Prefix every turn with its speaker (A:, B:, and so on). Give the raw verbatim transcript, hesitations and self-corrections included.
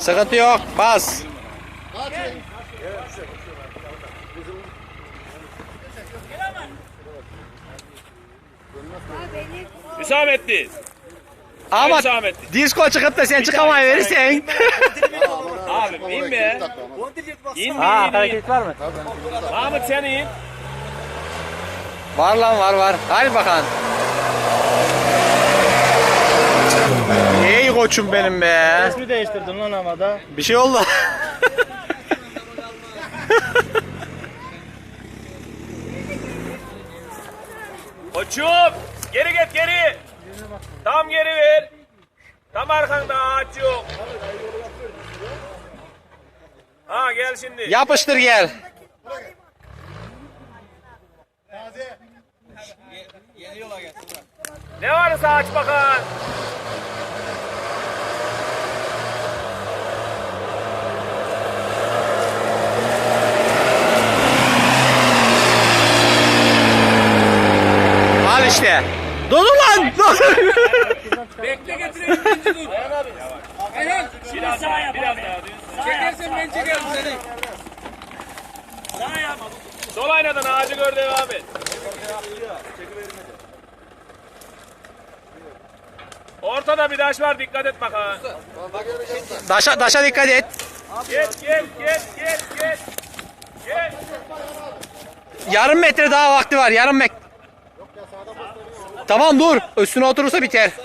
A: Sıkıntı yok. Bas.
B: Hüsamettin.
A: Ama
B: Hüsamettin.
A: disko çıkıp da sen çıkamayı verirsen.
B: Abi in be. İn
A: Ha
B: be in in.
A: hareket var mı?
B: Mahmut sen in.
A: Var lan var var. Hadi bakalım. Ey koçum benim be.
C: İsmi değiştirdin lan havada.
A: Bir şey oldu.
B: Koçum. Geri git geri. Tam geri ver. Tam arkanda ağaç yok. Ha gel şimdi.
A: Yapıştır gel.
B: Ne varsa aç bakalım.
A: Al işte. Dur lan. Dur.
B: Bekle getireyim. Dur. Ayhan. Biraz daha biraz daha. Çekersen ben çekerim seni. Sağ yap. Sol aynadan ağacı gör devam et. Ortada bir taş var dikkat et bakalım.
A: Daşa, daşa dikkat et.
B: Geç geç geç geç geç. Geç.
A: Yarım metre daha vakti var. Yarım metre. Tamam dur. Üstüne oturursa biter.